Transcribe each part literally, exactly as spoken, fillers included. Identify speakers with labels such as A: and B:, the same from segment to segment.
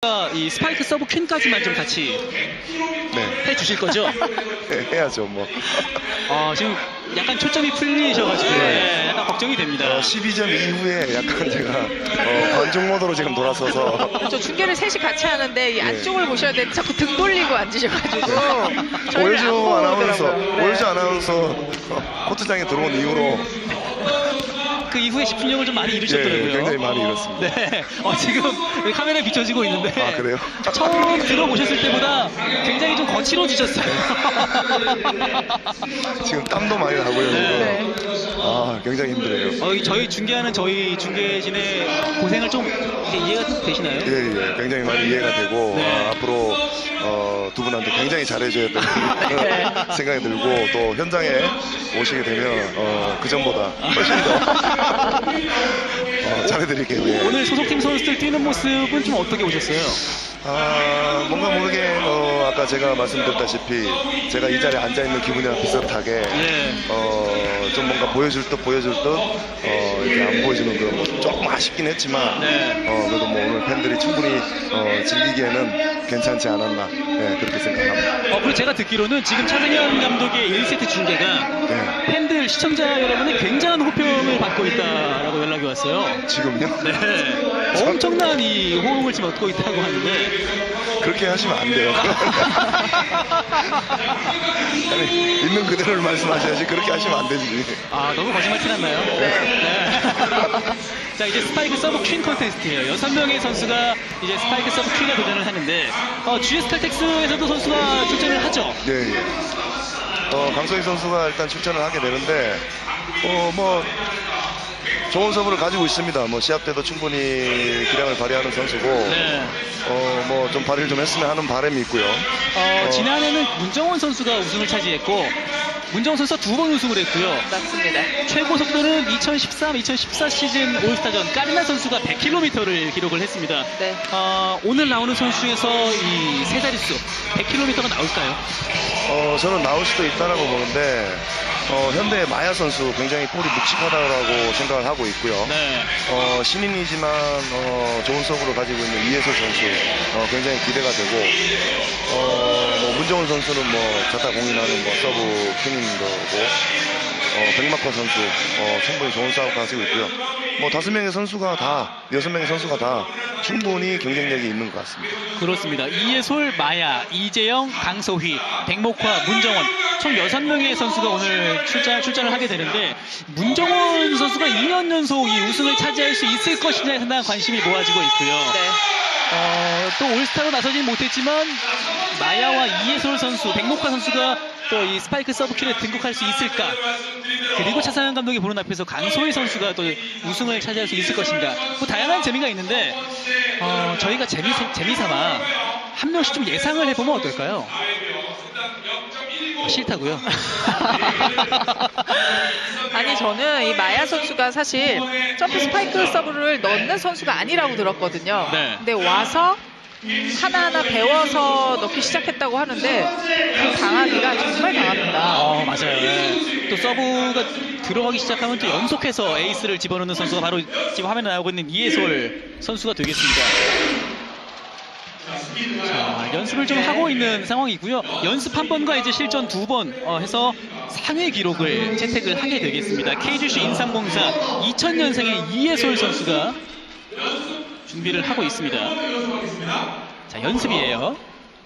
A: 이 스파이크 서브 퀸까지만 좀 같이
B: 네.
A: 해주실 거죠?
B: 네, 해야죠 뭐.
A: 어, 지금 약간 초점이 풀리셔가지고 네, 약간 걱정이 됩니다.
B: 어, 십이 점 이후에 약간 제가 어, 관중 모드로 지금 돌아서서.
C: 그렇죠. 중계를 셋이 같이 하는데 이
B: 네.
C: 안쪽을 보셔야 되는데 자꾸 등 돌리고 앉으셔가지고 저희를
B: 오일주
C: 안
B: 아나운서,
C: 보더라고요. 네.
B: 오일주 아나운서 코트장에 들어온 이후로
A: 그 이후에 집중력을 좀 많이 잃으셨더라고요.
B: 예, 굉장히 많이 잃었습니다.
A: 네. 어, 지금 카메라에 비춰지고 있는데.
B: 아, 그래요?
A: 처음 들어보셨을 때보다 굉장히 좀 거칠어지셨어요.
B: 지금 땀도 많이 나고요.
C: 네.
B: 지금. 아, 굉장히 힘들어요.
A: 어, 저희 중계하는 저희 중계진의 고생을 좀 이제 이해가 되시나요?
B: 예, 예, 굉장히 많이 이해가 되고
A: 네.
B: 아, 앞으로 어, 두 분한테 굉장히 잘해줘야 된다는
C: 네.
B: 생각이 들고 또 현장에 오시게 되면 어, 그 전보다 훨씬 더 어, 잘해드릴게요. 예.
A: 오늘 소속팀 선수들 뛰는 모습은 좀 어떻게 보셨어요?
B: 아, 뭔가 모르게 어, 아까 제가 말씀드렸다시피 제가 이 자리에 앉아있는 기분이랑 비슷하게
A: 예.
B: 어, 좀 뭔가 보여줄 듯 보여줄 듯 어, 이렇게 안 보여주는 그런 뭐 조금 아쉽긴 했지만
A: 네.
B: 어, 그래도 뭐 오늘 팬들이 충분히 어, 즐기기에는 괜찮지 않았나 네, 그렇게 생각합니다.
A: 어, 그리고 제가 듣기로는 지금 차승현 감독의 일 세트 중계가
B: 네.
A: 팬들, 시청자 여러분의 굉장한 호평을 받고 있다라고 연락이 왔어요.
B: 지금요?
A: 네. 엄청난 이 호응을 지금 얻고 있다고 하는데.
B: 그렇게 하시면 안 돼요. 아니, 있는 그대로를 말씀하셔야지 그렇게 하시면 안 되지.
A: 아, 너무 거짓말 티났나요? 네. 자, 이제 스파이크 서브 퀸 콘테스트예요. 여섯 명의 선수가 이제 스파이크 서브 퀸에 도전을 하는데 어, 지에스 칼텍스에서도 선수가 출전을 하죠.
B: 네. 예. 어, 강소희 선수가 일단 출전을 하게 되는데 어, 뭐 좋은 서브를 가지고 있습니다. 뭐 시합 때도 충분히 기량을 발휘하는 선수고
A: 네.
B: 어, 뭐 좀 발휘를 좀 했으면 하는 바람이 있고요.
A: 어,
B: 어,
A: 지난해는 문정원 선수가 우승을 차지했고 문정원 선수가 두 번 우승을 했고요.
C: 맞습니다.
A: 최고 속도는 이천십삼, 이천십사 시즌 올스타전 까르나 선수가 백 킬로미터를 기록을 했습니다.
C: 네.
A: 어, 오늘 나오는 선수 중에서 이 세 자릿수 백 킬로미터가 나올까요?
B: 어, 저는 나올 수도 있다라고 보는데 어, 현대의 마야 선수 굉장히 볼이 묵직하다고 생각을 하고 있고요.
A: 네.
B: 어, 신인이지만 어, 좋은 서브를 가지고 있는 이해솔 선수 어, 굉장히 기대가 되고 어, 뭐 문정훈 선수는 뭐 자타 공인하는 뭐 서브 킹인 거고 어, 백마커 선수 어, 충분히 좋은 싸움 가지고 있고요. 뭐 다섯 명의 선수가 다 여섯 명의 선수가 다 충분히 경쟁력이 있는 것 같습니다.
A: 그렇습니다. 이예솔, 마야, 이재영, 강소희, 백목화, 문정원 총 여섯 명의 선수가 오늘 출전, 출전을 하게 되는데 문정원 선수가 이 년 연속 이 우승을 차지할 수 있을 것이냐에 상당한 관심이 모아지고 있고요.
C: 네.
A: 어, 또 올스타로 나서진 못했지만 마야와 이예솔 선수, 백목화 선수가 또 이 스파이크 서브킬에 등극할 수 있을까? 그리고 차상현 감독이 보는 앞에서 강소희 선수가 또 우승을 차지할 수 있을 것인가? 뭐 다양한 재미가 있는데 어, 저희가 재미, 재미삼아 한 명씩 좀 예상을 해보면 어떨까요? 어, 싫다고요?
C: 아니 저는 이 마야 선수가 사실 점프 스파이크 서브를 넣는 선수가 아니라고 들었거든요.
A: 네.
C: 근데 와서 음, 하나하나 배워서 넣기 시작했다고 하는데 그 강하기가 정말 강합니다.
A: 어, 맞아요. 네. 또 서브가 들어가기 시작하면 또 연속해서 에이스를 집어넣는 선수가 바로 지금 화면에 나오고 있는 이예솔 선수가 되겠습니다. 자, 연습을 좀 하고 있는 상황이고요. 연습 한 번과 이제 실전 두 번 어, 해서 상위 기록을 채택을 하게 되겠습니다. 케이지씨 인삼공사 이천 년생의 이예솔 선수가 준비를 하고 있습니다. 자, 연습이에요.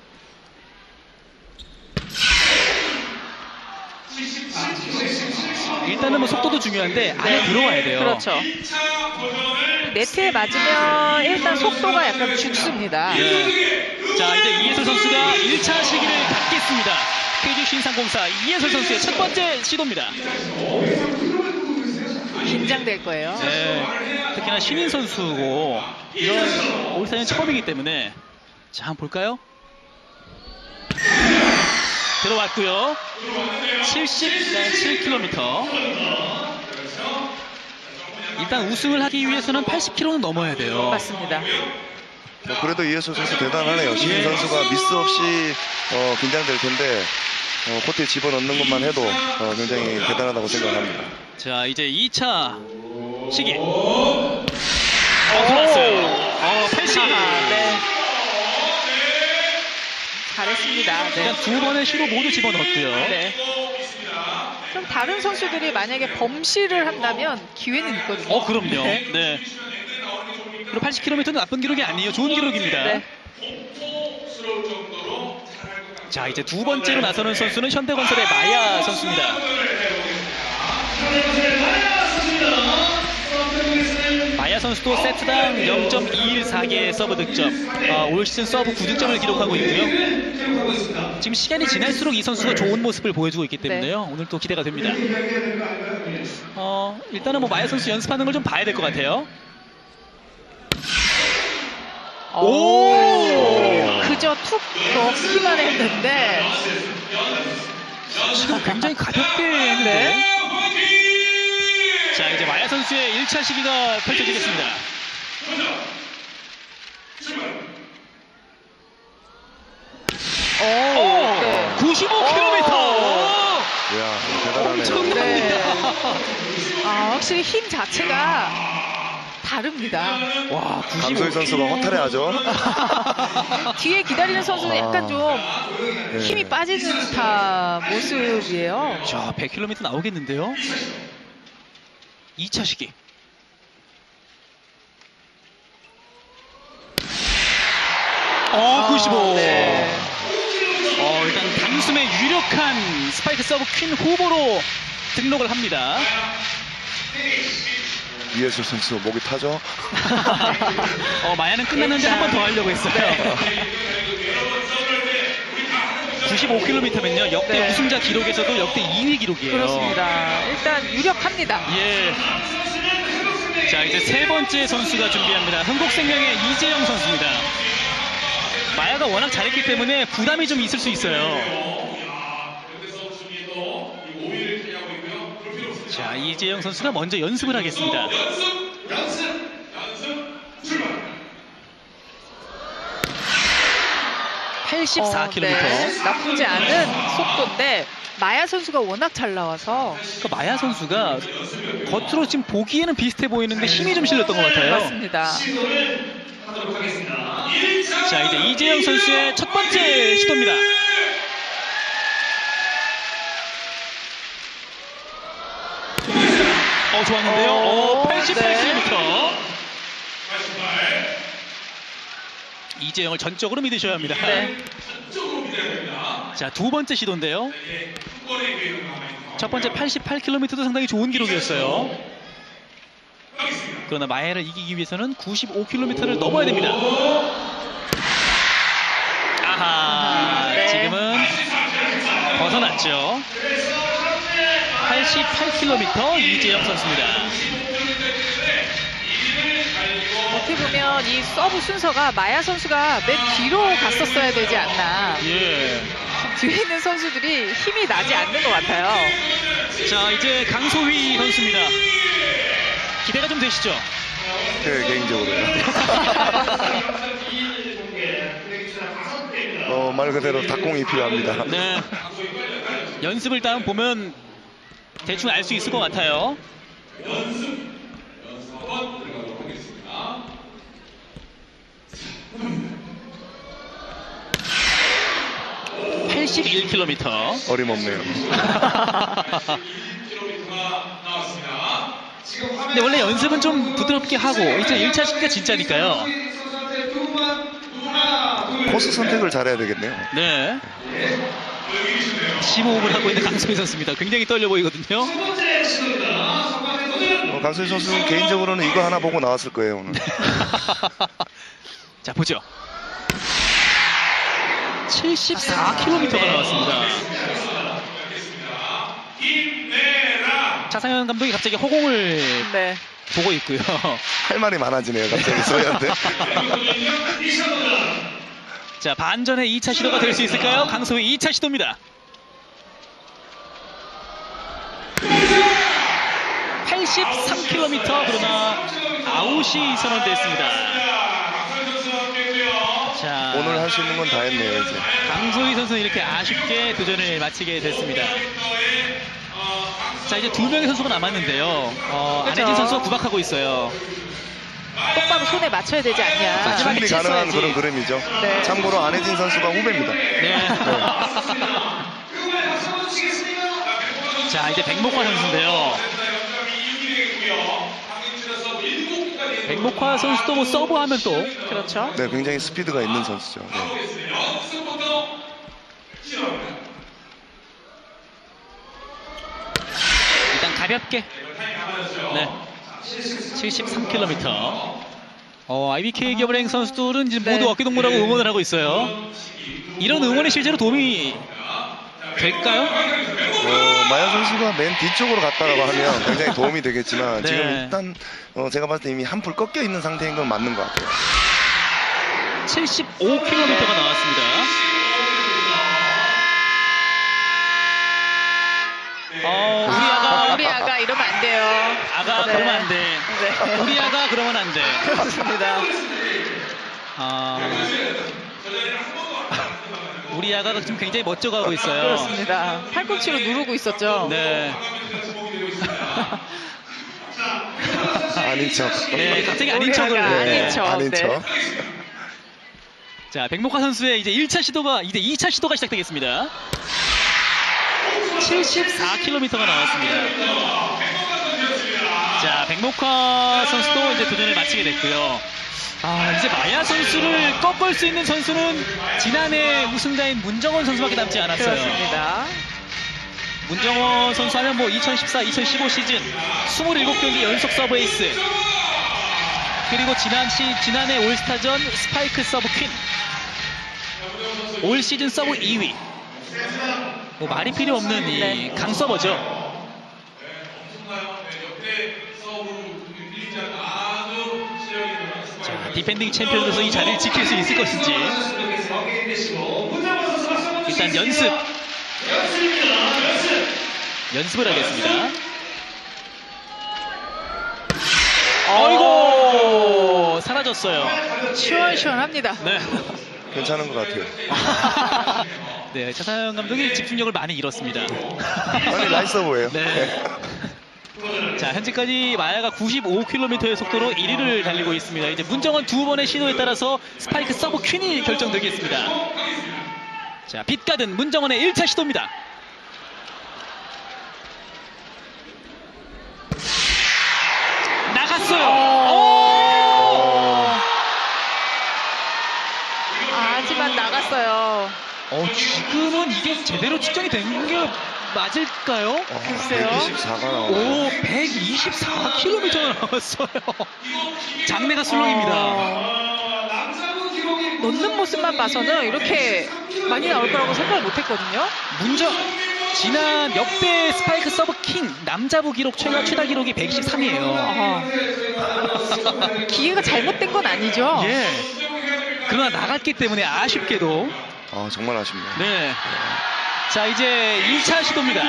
A: 일단은 뭐 속도도 중요한데 안에 들어와야 돼요.
C: 그렇죠. 네트에 맞으면 일단 속도가 약간 죽습니다.
A: 예. 자, 이제 이예솔 선수가 일 차 시기를 갖겠습니다. 케이지씨 인삼공사 이예솔 선수의 첫 번째 시도입니다.
C: 긴장될 거예요.
A: 네, 특히나 신인 선수고 이런 올스타는 처음이기 때문에 자, 한번 볼까요? 들어왔고요. 칠십칠 킬로미터. 일단 우승을 하기 위해서는 팔십 킬로미터는 넘어야 돼요.
C: 맞습니다.
B: 뭐 그래도 이해솔 선수 대단하네요. 신인 선수가 미스 없이 어, 긴장될 텐데 어, 코트에 집어넣는 것만 해도 어, 굉장히 대단하다고 생각합니다.
A: 자, 이제 이 차 시기. 어, 들어왔어요. 어, 팔십.
C: 네. 그렇습니다. 네.
A: 일단 두 번의 시도 모두 집어넣었고요.
C: 네. 좀 다른 선수들이 만약에 범실을 한다면 기회는 있거든요.
A: 어, 그럼요.
C: 네.
A: 네. 그리고 팔십 킬로미터는 나쁜 기록이 아니에요. 좋은 기록입니다.
C: 네.
A: 자, 이제 두 번째로 나서는 선수는 현대건설의 마야 선수입니다. 마야 선수도 세트당 영 점 이일사 개의 서브 득점, 어, 올 시즌 서브 구 득점을 기록하고 있고요. 지금 시간이 지날수록 이 선수가 좋은 모습을 보여주고 있기 때문에요.
C: 네.
A: 오늘 또 기대가 됩니다. 어, 일단은 뭐 마야 선수 연습하는 걸 좀 봐야 될 것 같아요. 오!
C: 그저 툭 넣기만 했는데
A: 지금 굉장히 가볍게 했는데.
C: 네.
A: 자, 이제 마야 선수의 일 차 시기가 펼쳐지겠습니다.
C: 오,
A: 오!
C: 네.
A: 구십오 킬로미터!
B: 이야, 대단하네요.
A: 엄청납니다.
C: 네. 아, 확실히 힘 자체가 다릅니다.
A: 와,
B: 강소희
A: 구십오.
B: 선수가 허탈해하죠.
C: 뒤에 기다리는 선수는
B: 아.
C: 약간 좀
B: 네.
C: 힘이 빠지는 듯한 모습이에요.
A: 자, 백 킬로미터 나오겠는데요? 이 차 시기. 어, 구십오.
C: 네.
A: 어, 일단 단숨에 유력한 스파이크 서브 퀸 후보로 등록을 합니다.
B: 이예솔 선수 목이 타죠.
A: 어, 마야는 끝났는데 한 번 더 하려고 했어요. 구십오 킬로미터면요, 역대
C: 네.
A: 우승자 기록에서도 역대 이 위 기록이에요.
C: 그렇습니다. 일단 유력합니다.
A: 예. 자, 이제 세 번째 선수가 준비합니다. 흥국생명의 이재영 선수입니다. 마야가 워낙 잘했기 때문에 부담이 좀 있을 수 있어요. 자, 이재영 선수가 먼저 연습을 하겠습니다. 팔십사 킬로미터.
C: 어, 네. 나쁘지 않은 속도인데 마야 선수가 워낙 잘 나와서
A: 그 마야 선수가 겉으로 지금 보기에는 비슷해 보이는데 힘이 좀 실렸던 것 같아요.
C: 맞습니다.
A: 자, 이제 이재영 선수의 첫 번째 시도입니다. 어, 좋았는데요.
C: 오,
A: 어, 팔십팔 킬로미터. 이재영을 전적으로 믿으셔야 합니다.
C: 네.
A: 자, 두 번째 시도인데요. 첫 번째 팔십팔 킬로미터도 상당히 좋은 기록이었어요. 그러나 마야를 이기기 위해서는 구십오 킬로미터를 넘어야 됩니다. 아하,
C: 네.
A: 지금은 벗어났죠. 팔십팔 킬로미터 이재영 선수입니다.
C: 어떻게 보면 이 서브 순서가 마야 선수가 맨 뒤로 갔었어야 되지 않나.
A: 예.
C: 뒤에 있는 선수들이 힘이 나지 않는 것 같아요.
A: 자, 이제 강소희 선수입니다. 기대가 좀 되시죠?
B: 네, 개인적으로요. 어, 말 그대로 닭공이 필요합니다.
A: 네. 연습을 다 보면 대충 알 수 있을 것 같아요. 팔십일 킬로미터.
B: 어림없네요.
A: 근데 원래 연습은 좀 부드럽게 하고 이제 일 차 시기가 진짜니까요.
B: 코스 선택을 잘해야 되겠네요.
A: 네. 심호흡을 하고 있는 강소희 선수입니다. 굉장히 떨려 보이거든요.
B: 어, 강소희 선수는 개인적으로는 이거 하나 보고 나왔을 거예요, 오늘.
A: 자, 보죠. 칠십사 킬로미터가 나왔습니다. 차상현 감독이 갑자기 허공을
C: 네.
A: 보고 있고요.
B: 할 말이 많아지네요, 갑자기 소희한테.
A: 자, 반전의 이 차 시도가 될 수 있을까요? 강소희 이 차 시도입니다. 팔십삼 킬로미터, 그러나 아웃이 선언됐습니다. 자,
B: 오늘 할 수 있는 건 다 했네요, 이제.
A: 강소희 선수는 이렇게 아쉽게 도전을 마치게 됐습니다. 자, 이제 두 명의 선수가 남았는데요. 어,
C: 그렇죠.
A: 안혜진 선수가 구박하고 있어요.
C: 똑바로 손에 맞춰야 되지 않냐.
A: 마지막에
B: 충분히 가능한
A: 쳤어야지.
B: 그런 그림이죠.
C: 네.
B: 참고로 안혜진 선수가 후배입니다.
A: 네. 자, 이제 백목화 선수인데요. 백목화 선수도 뭐 서브하면 또
C: 그렇죠.
B: 네, 굉장히 스피드가 있는 선수죠. 네.
A: 일단 가볍게. 네. 칠십삼 킬로미터. 어, 아이비케이 기업은행 선수들은 이제
C: 네.
A: 모두 어깨동무라고 응원을 하고 있어요. 이런 응원이 실제로 도움이 될까요?
B: 어, 마야 선수가 맨 뒤쪽으로 갔다라고 하면 굉장히 도움이 되겠지만
A: 네.
B: 지금 일단 어, 제가 봤을 때 이미 한풀 꺾여 있는 상태인 건 맞는 것 같아요.
A: 칠십오 킬로미터가 나왔습니다. 어, 우리 아가,
C: 아, 우리 아가 이러면 안 돼요.
A: 아가
C: 네.
A: 그러면 안 돼.
C: 네.
A: 우리 아가 그러면 안 돼.
C: 그렇습니다.
A: 아, 우리 아가가 지금 굉장히 멋져가고 있어요.
C: 그렇습니다. 팔꿈치로 누르고 있었죠.
A: 네.
B: 아닌 척.
A: 네, 갑자기 아닌
C: 우리
A: 척을.
C: 아가
A: 네.
C: 아닌 척.
B: 아닌
C: 네.
B: 척.
A: 자, 백목화 선수의 이제 일 차 시도가 이제 이 차 시도가 시작되겠습니다. 칠십사 킬로미터가 나왔습니다. 자, 백목화 선수도 이제 도전을 마치게 됐고요. 아, 이제 마야 선수를 꺾을 수 있는 선수는 지난해 우승자인 문정원 선수밖에 남지 않았어요.
C: 그렇습니다.
A: 문정원 선수 하면 뭐 이천십사 이천십오 시즌 이십칠 경기 연속 서브 에이스, 그리고 지난 시, 지난해 올스타전 스파이크 서브 퀸, 올 시즌 서브 이 위. 뭐 말이 필요 없는 이
C: 네.
A: 강서버죠. 자, 디펜딩 챔피언으로서 이 자리를 지킬 수 있을 것인지. 일단 연습. 연습을 하겠습니다. 어이구, 사라졌어요.
C: 시원시원합니다.
A: 네.
B: 괜찮은 것 같아요.
A: 네, 차사영 감독이 집중력을 많이 잃었습니다.
B: 아니 라이스 서브예요.
A: 네. 자, 현재까지 마야가 구십오 킬로미터의 속도로 일 위를 달리고 있습니다. 이제 문정원 두 번의 시도에 따라서 스파이크 서브 퀸이 결정되겠습니다. 자, 빛가든 문정원의 일 차 시도입니다. 나갔어요. 오!
C: 아, 하지만 나갔어요.
A: 어, 지금은 이게 제대로 측정이 된 게 맞을까요?
B: 어,
C: 글쎄요.
B: 백이십사가 나오고.
A: 오, 백이십사 킬로미터가 나왔어요. 장내가 술렁입니다.
C: 어, 넣는 모습만 봐서는 이렇게 많이 나올 거라고 생각을 못했거든요.
A: 문정 지난 역대 스파이크 서브 킹 남자부 기록 최다 최다 기록이 백이십삼이에요.
C: 어. 기회가 잘못된 건 아니죠.
A: 예. 그러나 나갔기 때문에 아쉽게도.
B: 아, 정말 아쉽네요.
A: 네. 자, 이제 이 차 시도입니다.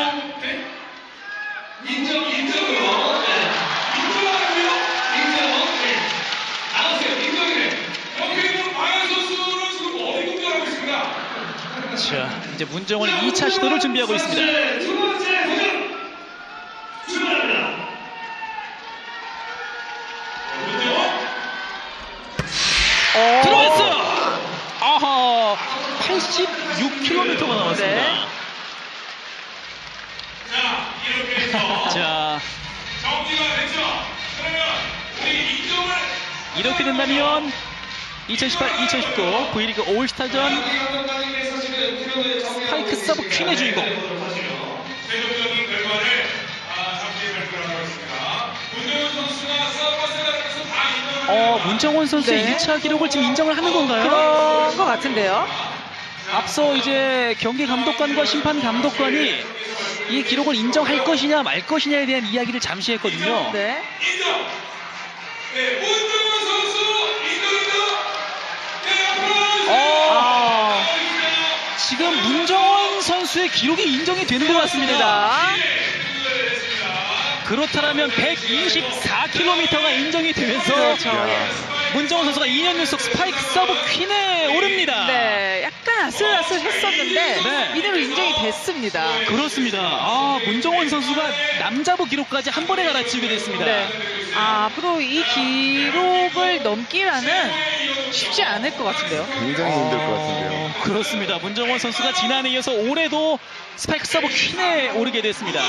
A: 자, 이제 문정원이 이 차 시도를 준비하고 있습니다.
C: 어.
A: 들어왔어요. 아하, 팔십육 킬로미터가 나왔습니다.
C: 네.
A: 자, 이렇게 된다면 이천십팔 이천십구 V리그 올스타전 스파이크 서브 퀸의 주인공. 어, 문정원 선수의
C: 네.
A: 일 차 기록을 지금 인정을 하는 건가요?
C: 그런 것 같은데요.
A: 앞서 이제 경기 감독관과 심판 감독관이 이 기록을 인정할 것이냐 말 것이냐에 대한 이야기를 잠시 했거든요.
C: 네.
A: 어, 지금 문정원 선수의 기록이 인정이 되는 것 같습니다.
C: 자,
A: 그렇다면 백이십사 킬로미터가 인정이 되면서
C: 그렇죠.
B: 야.
A: 문정원 선수가 이 년 연속 스파이크 서브 퀸에 오릅니다.
C: 네, 약간 아슬아슬 탓을 했었는데
A: 네.
C: 이대로 인정이 됐습니다.
A: 그렇습니다. 아, 문정원 선수가 남자부 기록까지 한 번에 갈아치우게 됐습니다.
C: 네. 아, 앞으로 이 기록을 넘기라는 쉽지 않을 것 같은데요.
B: 굉장히 힘들 것 같은데요.
A: 어, 그렇습니다. 문정원 선수가 지난해에 이어서 올해도 스파이크 서브 퀸에 오르게 됐습니다.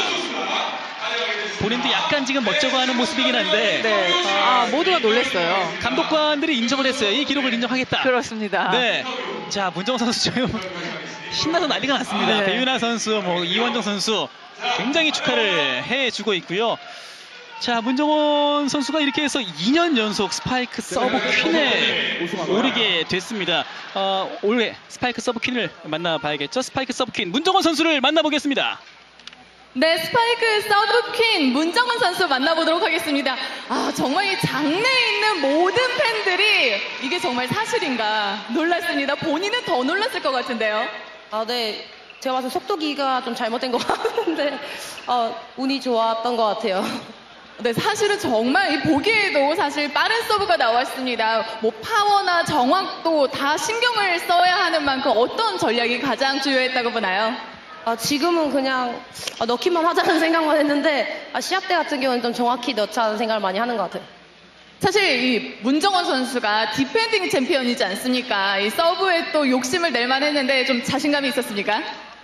A: 본인도 약간 지금 멋쩍어하는 모습이긴 한데
C: 네. 아, 모두가 놀랐어요.
A: 감독관들이 인정을 했어요. 이 기록을 인정하겠다.
C: 그렇습니다.
A: 네. 자, 문정원 선수 지금 신나서 난리가 났습니다.
C: 네.
A: 배윤아 선수, 뭐 이원정 선수 굉장히 축하를 해주고 있고요. 자, 문정원 선수가 이렇게 해서 이 년 연속 스파이크 서브 퀸에 오르게 됐습니다. 어, 올해 스파이크 서브 퀸을 만나봐야겠죠. 스파이크 서브 퀸 문정원 선수를 만나보겠습니다.
D: 네, 스파이크 서브 퀸 문정원 선수 만나보도록 하겠습니다. 아, 정말 이 장내에 있는 모든 팬들이 이게 정말 사실인가 놀랐습니다. 본인은 더 놀랐을 것 같은데요.
E: 아, 네. 제가 봐서 속도기가 좀 잘못된 것 같은데, 어, 운이 좋았던 것 같아요.
D: 네, 사실은 정말 이 보기에도 사실 빠른 서브가 나왔습니다. 뭐 파워나 정확도 다 신경을 써야 하는 만큼 어떤 전략이 가장 주요했다고 보나요?
E: 아, 지금은 그냥 아, 넣기만 하자는 생각만 했는데, 아, 시합 때 같은 경우는 좀 정확히 넣자는 생각을 많이 하는 것 같아요.
D: 사실 이 문정원 선수가 디펜딩 챔피언이지 않습니까? 이 서브에 또 욕심을 낼 만했는데 좀 자신감이 있었습니까?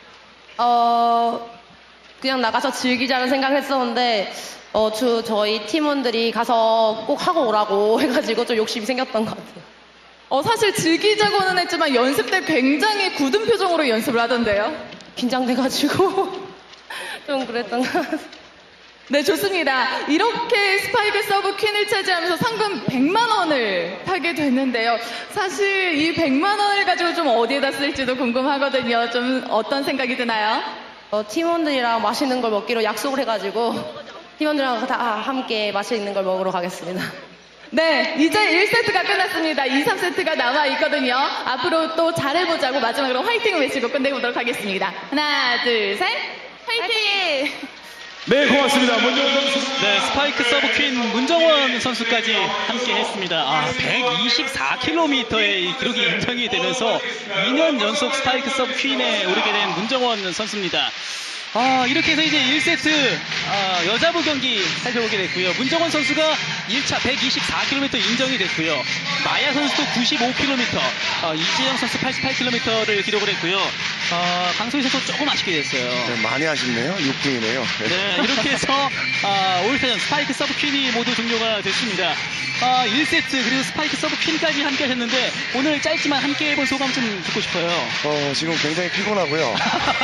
E: 어, 그냥 나가서 즐기자는 생각을 했었는데, 어, 주, 저희 팀원들이 가서 꼭 하고 오라고 해가지고 좀 욕심이 생겼던 것 같아요.
D: 어, 사실 즐기자고는 했지만 연습 때 굉장히 굳은 표정으로 연습을 하던데요.
E: 긴장돼가지고 좀 그랬던 것 같아요.
D: 네, 좋습니다. 이렇게 스파이크 서브 퀸을 차지하면서 상금 백만 원을 타게 됐는데요. 사실 이 백만 원을 가지고 좀 어디에다 쓸지도 궁금하거든요. 좀 어떤 생각이 드나요?
E: 어, 팀원들이랑 맛있는 걸 먹기로 약속을 해가지고 팀원들이랑 다 함께 맛있는 걸 먹으러 가겠습니다.
D: 네, 이제 일 세트가 끝났습니다. 이, 삼 세트가 남아 있거든요. 앞으로 또 잘해보자고 마지막으로 화이팅을 외치고 끝내보도록 하겠습니다. 하나, 둘, 셋, 화이팅!
F: 네, 고맙습니다. 문정원 선수.
A: 네, 스파이크 서브 퀸 문정원 선수까지 함께 했습니다. 아, 백이십사 킬로미터의 기록이 인정이 되면서 이 년 연속 스파이크 서브 퀸에 오르게 된 문정원 선수입니다. 아, 이렇게 해서 이제 일 세트 아, 여자부 경기 살펴보게 됐고요. 문정원 선수가 일 차 백이십사 킬로미터 인정이 됐고요. 마야 선수도 구십오 킬로미터, 어, 이재영 선수 팔십팔 킬로미터를 기록을 했고요. 어, 강소희 선수 조금 아쉽게 됐어요.
B: 네, 많이 아쉽네요. 육 등이네요.
A: 네, 이렇게 해서 아, 올스타전 스파이크 서브 퀸이 모두 종료가 됐습니다. 아, 일 세트 그리고 스파이크 서브 퀸까지 함께 하셨는데 오늘 짧지만 함께 해본 소감 좀 듣고 싶어요.
B: 어, 지금 굉장히 피곤하고요.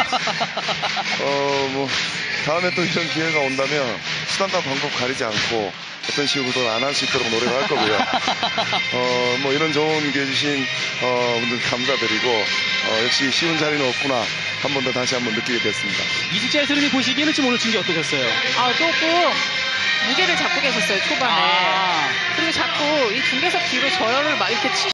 B: 어, 뭐, 다음에 또 이런 기회가 온다면 수단과 방법 가리지 않고 어떤 식으로든 안 할 수 있도록 노력할 거고요. 어, 뭐 이런 좋은 기회 주신 어, 분들 감사드리고 어, 역시 쉬운 자리는 없구나 한 번 더 다시 한번 느끼게 됐습니다.
A: 이숙재 해설님이 보시기에는 좀 오늘 중계 어떠셨어요?
C: 아, 조금 무게를 잡고 계셨어요, 초반에.
A: 아.
C: 그리고 자꾸 이 중계석 뒤로 저열을 막 이렇게 치